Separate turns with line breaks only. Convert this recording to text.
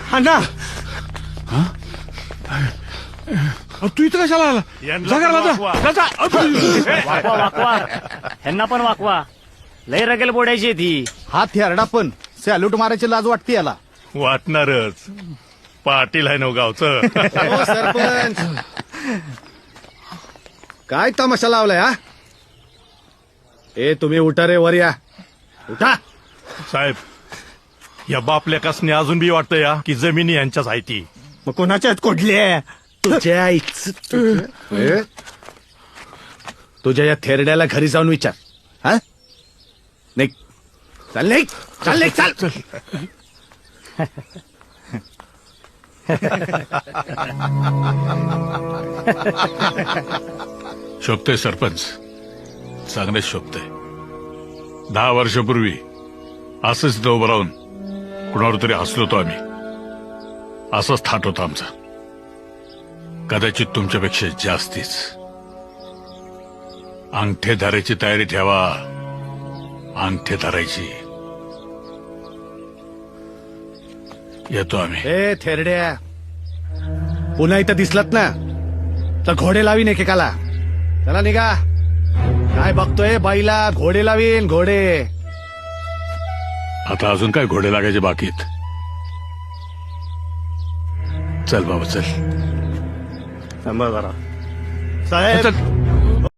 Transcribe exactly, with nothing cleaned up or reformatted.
अण्णा
तू इथं कशाला आला जा घराला जा. जा, जा.
वाकवा वाकवा ह्यांना पण वाकवा. लय रगेल बोडायची ती.
हा थेरडा पण सॅल्यूट मारायची लाज वाटते याला.
वाटणारच. पाटील आहे नव गावचं.
हो सरपंच काय तमाशा लावलाय हा. ए तुम्ही उठा रे वर या उठा.
साहेब या बापल्या कसने अजून बी वाटतं या की जमिनी यांच्याच आहे ती.
मग कोणाच्यात कोडले तुझ्या आईच ए? तुझ्या या थेरड्याला घरी जाऊन विचार. हा नाही चाल नाही चाल नाही चाल.
शोभतय सरपंच चांगलेच शोभतय. दहा वर्षापूर्वी असंच इथं उभं राहून कुणावर तरी हसलो होतो आम्ही. असाच थाट होता आमचा. कदाचित तुमच्यापेक्षा जास्तीच. अंगठे धरायची तयारी ठेवा. अंगठे धरायची. येतो आम्ही.
ए थेरड्या पुन्हा इथं दिसलात ना तर घोडे लावीन एकेकाला. चला निघा. काय बघतोय बाईला घोडे लावीन घोडे.
आता अजून काय घोडे लागायचे बाकीत. चल बाबा चल.
थांबा जरा साहेब.